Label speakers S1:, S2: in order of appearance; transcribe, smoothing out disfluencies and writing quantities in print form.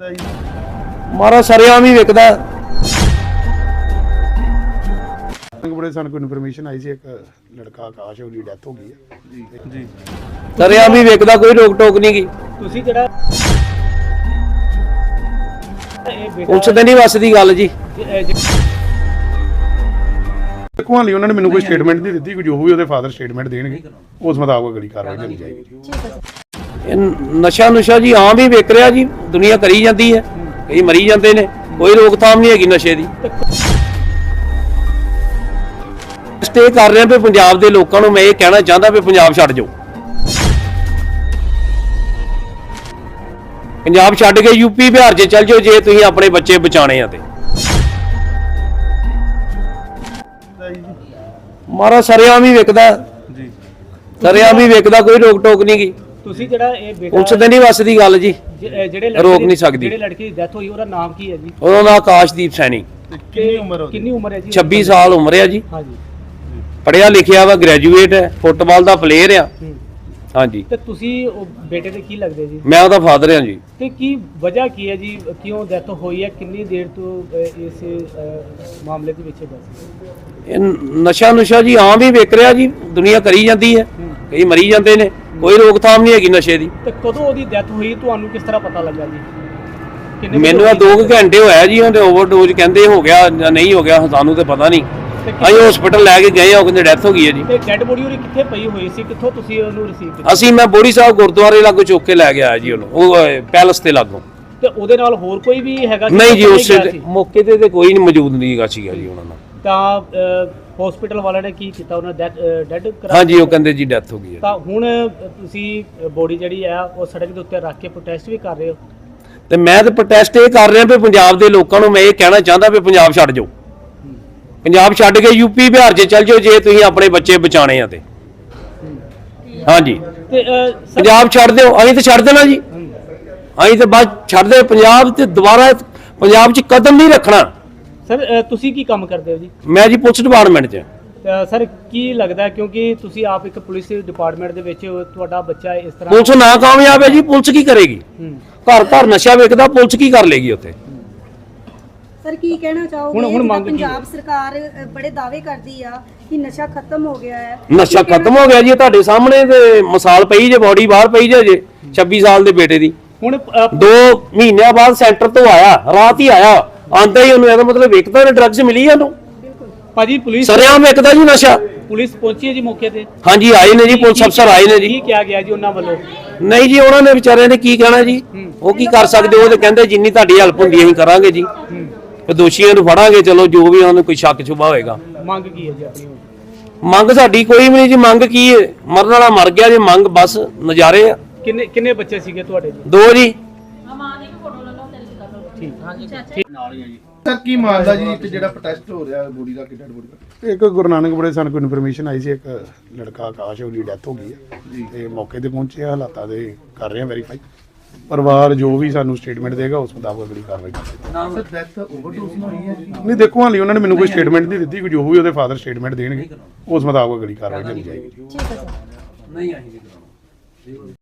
S1: ਮਾਰਾ ਸਰਿਆਮ ਹੀ ਵਿਕਦਾ।
S2: ਬੜੇ ਸਾਨੂੰ ਕੋਈ ਇਨਫੋਰਮੇਸ਼ਨ ਆਈ ਸੀ ਇੱਕ ਲੜਕਾ ਆਕਾਸ਼ ਉਹਦੀ ਡੈਥ ਹੋ ਗਈ ਹੈ ਜੀ।
S1: ਸਰਿਆਮ ਹੀ ਵਿਕਦਾ, ਕੋਈ ਰੋਕ ਟੋਕ ਨਹੀਂ ਗੀ।
S3: ਤੁਸੀਂ ਜਿਹੜਾ
S1: ਪੁਲਿਸ ਤੇ ਨਹੀਂ ਵੱਸਦੀ ਗੱਲ ਜੀ।
S2: ਦੇਖੋ ਹਾਲੀ ਉਹਨਾਂ ਨੇ ਮੈਨੂੰ ਕੋਈ ਸਟੇਟਮੈਂਟ ਨਹੀਂ ਦਿੱਤੀ, ਕੋਈ ਜੋ ਵੀ ਉਹਦੇ ਫਾਦਰ ਸਟੇਟਮੈਂਟ ਦੇਣਗੇ ਉਸ ਮੁਤਾਬਕ ਅਗਲੀ ਕਾਰਵਾਈ ਕੀਤੀ ਜਾਏਗੀ।
S1: ਇਹ ਨਸ਼ਾ ਜੀ ਆਮ ਹੀ ਵਿਕ ਰਿਹਾ ਜੀ, ਦੁਨੀਆ ਕਰੀ ਜਾਂਦੀ ਹੈ, ਕਈ ਮਰੀ ਜਾਂਦੇ ਨੇ, ਕੋਈ ਰੋਕਥਾਮ ਨਹੀਂ ਹੈਗੀ ਨਸ਼ੇ ਦੀ। ਸਟੇ ਕਰ ਰਹੇ ਵੀ ਪੰਜਾਬ ਦੇ ਲੋਕਾਂ ਨੂੰ ਮੈਂ ਇਹ ਕਹਿਣਾ ਚਾਹੁੰਦਾ ਵੀ ਪੰਜਾਬ ਛੱਡ ਜਾਓ। ਪੰਜਾਬ ਛੱਡ ਕੇ ਯੂਪੀ ਬਿਹਾਰ 'ਚ ਚੱਲ ਜਾਓ ਜੇ ਤੁਸੀਂ ਆਪਣੇ ਬੱਚੇ ਬਚਾਣੇ ਆ ਤੇ। ਮਾਰਾ ਸਰਿਆਮ ਹੀ ਵਿਕਦਾ ਜੀ, ਸਰਿਆਮ ਹੀ ਵਿਕਦਾ, ਕੋਈ ਰੋਕ ਟੋਕ ਨਹੀਂ ਗੀ।
S3: ਤੁਸੀਂ ਜਿਹੜਾ ਇਹ ਬੇਟਾ
S1: ਪੁਲਿਸ ਤੇ ਨਹੀਂ ਵੱਸਦੀ ਗੱਲ ਜੀ,
S3: ਜਿਹੜੇ
S1: ਰੋਕ ਨਹੀਂ ਸਕਦੀ।
S3: ਜਿਹੜੇ ਲੜਕੇ ਦੀ ਡੈਥ ਹੋਈ ਉਹਦਾ ਨਾਮ ਕੀ ਹੈ ਜੀ?
S1: ਉਹਦਾ ਨਾਮ ਆਕਾਸ਼ਦੀਪ ਸੈਣੀ।
S3: ਕਿੰਨੀ ਉਮਰ ਹੈ ਜੀ?
S1: 26 ਸਾਲ ਉਮਰ ਹੈ ਜੀ।
S3: ਹਾਂਜੀ।
S1: ਪੜਿਆ ਲਿਖਿਆ ਵਾ, ਗ੍ਰੈਜੂਏਟ ਹੈ, ਫੁੱਟਬਾਲ ਦਾ ਪਲੇਅਰ ਆ। ਹਾਂਜੀ।
S3: ਤੇ ਤੁਸੀਂ ਉਹ ਬੇਟੇ ਦੇ ਕੀ ਲੱਗਦੇ ਜੀ?
S1: ਮੈਂ ਉਹਦਾ ਫਾਦਰ ਹਾਂ ਜੀ।
S3: ਤੇ ਕੀ ਵਜ੍ਹਾ ਕੀ ਹੈ ਜੀ, ਕਿਉਂ ਡੈਥ ਹੋਈ ਹੈ, ਕਿੰਨੀ ਦੇਰ ਤੋਂ ਇਸ ਮਾਮਲੇ ਦੇ ਵਿੱਚ
S1: ਇਹ ਨਸ਼ਾ ਜੀ ਆਮ ਹੀ ਵਿਕ ਰਿਹਾ ਜੀ, ਦੁਨੀਆ ਕਰੀ ਜਾਂਦੀ ਹੈ, ਕਈ ਮਰੀ ਜਾਂਦੇ ਨੇ, ਕੋਈ ਰੋਕਥਾਮ ਨਹੀਂ ਹੈਗੀ ਨਸ਼ੇ ਦੀ।
S3: ਤੇ ਕਦੋਂ ਉਹਦੀ ਡੈਥ ਹੋਈ, ਤੁਹਾਨੂੰ ਕਿਸ ਤਰ੍ਹਾਂ ਪਤਾ ਲੱਗਾ ਜੀ?
S1: ਮੈਨੂੰ ਆ 2 ਘੰਟੇ ਹੋਇਆ ਜੀ, ਉਹਦੇ ਓਵਰਡੋਜ਼ ਕਹਿੰਦੇ ਹੋ ਗਿਆ ਜਾਂ ਨਹੀਂ ਹੋ ਗਿਆ, ਸਾਨੂੰ ਤੇ ਪਤਾ ਨਹੀਂ। ਅਸੀਂ ਹਸਪੀਟਲ ਲੈ ਕੇ ਗਏ ਆ, ਉਹ ਕਹਿੰਦੇ ਡੈਥ ਹੋ ਗਈ ਹੈ ਜੀ।
S3: ਤੇ ਡੈਡ ਬੋਡੀ ਉਹਦੀ ਕਿੱਥੇ ਪਈ ਹੋਈ ਸੀ, ਕਿੱਥੋਂ ਤੁਸੀਂ ਉਹਨੂੰ ਰਿਸੀਵ ਕੀਤਾ?
S1: ਮੈਂ ਬੋੜੀ ਸਾਹਿਬ ਗੁਰਦੁਆਰੇ ਲਾਗੋਂ ਚੁੱਕ ਕੇ ਲੈ ਕੇ ਆਇਆ ਜੀ ਉਹਨੂੰ, ਉਹ ਪੈਲਸ ਤੇ ਲਾਗੋਂ।
S3: ਤੇ ਉਹਦੇ ਨਾਲ ਹੋਰ ਕੋਈ ਵੀ ਹੈਗਾ?
S1: ਨਹੀਂ ਜੀ, ਉਸ ਮੌਕੇ ਤੇ ਕੋਈ ਨਹੀਂ ਮੌਜੂਦ ਨਹੀਂ ਹੈਗਾ ਸੀਗਾ ਜੀ ਉਹਨਾਂ ਨਾਲ।
S3: ਤਾਂ ਹਸਪੀਟਲ ਵਾਲਿਆਂ ਨੇ ਕੀ ਕੀਤਾ, ਉਹਨਾਂ ਡੈਡ ਕਰਾ?
S1: ਹਾਂਜੀ, ਉਹ ਕਹਿੰਦੇ ਜੀ ਡੈਥ ਹੋ ਗਈ ਹੈ।
S3: ਤਾਂ ਹੁਣ ਤੁਸੀਂ ਬੋਡੀ ਜਿਹੜੀ ਆ ਉਹ ਸੜਕ ਦੇ ਉੱਤੇ ਰੱਖ ਕੇ ਪ੍ਰੋਟੈਸਟ ਵੀ ਕਰ ਰਹੇ ਹੋ?
S1: ਤੇ ਮੈਂ ਤਾਂ ਪ੍ਰੋਟੈਸਟ ਇਹ ਕਰ ਰਿਹਾ ਵੀ ਪੰਜਾਬ ਦੇ ਲੋਕਾਂ ਨੂੰ ਮੈਂ ਇਹ ਕਹਿਣਾ ਚਾਹੁੰਦਾ ਵੀ ਪੰਜਾਬ ਛੱਡ ਜਾਓ। ਪੰਜਾਬ ਛੱਡ ਕੇ ਯੂਪੀ ਬਿਹਾਰ 'ਚ ਚੱਲ ਜਾਓ ਜੇ ਤੁਸੀਂ ਆਪਣੇ ਬੱਚੇ ਬਚਾਣੇ ਆ ਤੇ। ਹਾਂਜੀ,
S3: ਤੇ
S1: ਪੰਜਾਬ ਛੱਡ ਦਿਓ, ਅਸੀਂ ਤਾਂ ਛੱਡ ਦੇਣਾ ਜੀ, ਅਸੀਂ ਤਾਂ ਬਸ ਛੱਡ ਦੇ ਪੰਜਾਬ ਤੇ ਦੁਬਾਰਾ ਪੰਜਾਬ 'ਚ ਕਦਮ ਨਹੀਂ ਰੱਖਣਾ।
S3: ਸਰ ਤੁਸੀਂ ਕੀ ਕੰਮ ਕਰਦੇ ਹੋ ਜੀ?
S1: ਮੈਂ ਜੀ ਪੁਲਿਸ ਡਿਪਾਰਟਮੈਂਟ 'ਚ।
S3: ਸਰ ਕੀ ਲੱਗਦਾ, ਕਿਉਂਕਿ ਤੁਸੀਂ ਆਪ ਇੱਕ ਪੁਲਿਸ ਡਿਪਾਰਟਮੈਂਟ ਦੇ ਵਿੱਚ ਤੁਹਾਡਾ ਬੱਚਾ ਇਸ ਤਰ੍ਹਾਂ
S1: ਪੁਲਿਸ ਨਾ ਕਾਮਯਾਬ ਹੈ ਜੀ, ਪੁਲਿਸ ਕੀ ਕਰੇਗੀ? ਘਰ ਘਰ ਨਸ਼ਾ ਵੇਚਦਾ, ਪੁਲਿਸ ਕੀ ਕਰ ਲੇਗੀ ਉੱਥੇ?
S4: ਸਰ ਕੀ ਕਹਿਣਾ ਚਾਹੋਗੇ?
S3: ਹੁਣ ਮੰਗ
S4: ਪੰਜਾਬ ਸਰਕਾਰ ਬੜੇ ਦਾਅਵੇ ਕਰਦੀ ਆ ਕਿ ਨਸ਼ਾ ਖਤਮ ਹੋ ਗਿਆ ਹੈ।
S1: ਨਸ਼ਾ ਖਤਮ ਹੋ ਗਿਆ ਜੀ, ਤੁਹਾਡੇ ਸਾਹਮਣੇ ਤੇ ਮਿਸਾਲ ਪਈ ਜੇ, ਬੋਡੀ ਬਾਹਰ ਪਈ ਜੇ 26 ਸਾਲ ਦੇ ਬੇਟੇ ਦੀ।
S3: ਹੁਣ
S1: 2 ਮਹੀਨਿਆਂ ਬਾਅਦ ਸੈਂਟਰ ਤੋਂ ਆਇਆ, ਰਾਤ ਹੀ ਆਇਆ, ਆਂਦਾ ਹੀ ਉਹਨੂੰ ਇਹਦਾ ਮਤਲਬ ਵੇਖਦਾ ਨੇ ਡਰੱਗਸ ਮਿਲੀ ਉਹਨੂੰ।
S3: ਭਾਜੀ ਪੁਲਿਸ
S1: ਸਰਿਆਮ ਵੇਖਦਾ ਜੀ ਨਸ਼ਾ।
S3: ਪੁਲਿਸ ਪਹੁੰਚੀ ਹੈ ਜੀ ਮੌਕੇ ਤੇ?
S1: ਹਾਂਜੀ, ਆਏ ਨੇ ਜੀ, ਪੁਲਿਸ ਅਫਸਰ ਆਏ ਨੇ ਜੀ।
S3: ਕੀ ਕਿਹਾ ਗਿਆ ਜੀ ਉਹਨਾਂ ਵੱਲੋਂ?
S1: ਨਹੀਂ ਜੀ, ਉਹਨਾਂ ਨੇ ਵਿਚਾਰਿਆਂ ਨੇ ਕੀ ਕਹਿਣਾ ਜੀ, ਉਹ ਕੀ ਕਰ ਸਕਦੇ? ਉਹ ਤੇ ਕਹਿੰਦੇ ਜਿੰਨੀ ਤੁਹਾਡੀ ਹੈਲਪ ਹੁੰਦੀ ਅਸੀਂ ਕਰਾਂਗੇ ਜੀ, ਤੇ ਦੋਸ਼ੀਆਂ ਨੂੰ ਫੜਾਂਗੇ, ਚਲੋ ਜੋ ਵੀ ਉਹਨਾਂ ਨੂੰ ਕੋਈ ਸ਼ੱਕ ਸ਼ੁਬਾ ਹੋਏਗਾ।
S3: ਮੰਗ ਕੀ ਹੈ ਜੀ ਆਪਣੀ?
S1: ਮੰਗ ਸਾਡੀ ਕੋਈ ਵੀ ਨਹੀਂ ਜੀ, ਮੰਗ ਕੀ ਹੈ, ਮਰਨ ਵਾਲਾ ਮਰ ਗਿਆ ਜੀ, ਮੰਗ ਬਸ ਨਜ਼ਾਰੇ ਆ।
S3: ਕਿੰਨੇ ਬੱਚੇ ਸੀਗੇ ਤੁਹਾਡੇ ਜੀ?
S1: 2 ਜੀ।
S5: ਸਰ ਕੀ ਮਾਮਲਾ ਜੀ ਇੱਕ ਜਿਹੜਾ ਪ੍ਰੋਟੈਸਟ ਹੋ ਰਿਹਾ ਬੋਡੀ ਦਾ, ਕਿੱਡਾ ਬੋਡੀ ਦਾ?
S2: ਇੱਕ ਗੁਰੂ ਨਾਨਕ ਬੜੇ ਸਾਨੂੰ ਕੋਈ ਇਨਫੋਰਮੇਸ਼ਨ ਆਈ ਸੀ ਇੱਕ ਲੜਕਾ ਆਕਾਸ਼ ਉਹਦੀ ਡੈਥ ਹੋ ਗਈ ਹੈ ਜੀ। ਤੇ ਮੌਕੇ ਤੇ ਪਹੁੰਚੇ ਆ, ਹਾਲਾਤਾਂ ਦੇ ਕਰ ਰਹੇ ਆ ਵੈਰੀਫਾਈ। ਪਰਿਵਾਰ ਜੋ ਵੀ ਸਾਨੂੰ ਸਟੇਟਮੈਂਟ ਦੇਗਾ ਉਸ ਮੁਤਾਬਕ ਅਗਲੀ ਕਾਰਵਾਈ ਕਰਾਂਗੇ।
S5: ਸਰ ਡੈਥ ਓਵਰਡੋਜ਼ ਨਾਲ ਹੋਈ ਹੈ ਜੀ?
S2: ਨਹੀਂ, ਦੇਖੋ ਹਾਲੀ ਉਹਨਾਂ ਨੇ ਮੈਨੂੰ ਕੋਈ ਸਟੇਟਮੈਂਟ ਨਹੀਂ ਦਿੱਤੀ, ਕੋਈ ਜੋ ਵੀ ਉਹਦੇ ਫਾਦਰ ਸਟੇਟਮੈਂਟ ਦੇਣਗੇ ਉਸ ਮੁਤਾਬਕ ਅਗਲੀ ਕਾਰਵਾਈ ਕੀਤੀ ਜਾਏਗੀ।
S4: ਠੀਕ ਹੈ ਸਰ।
S1: ਨਹੀਂ ਆਈ ਜੀ।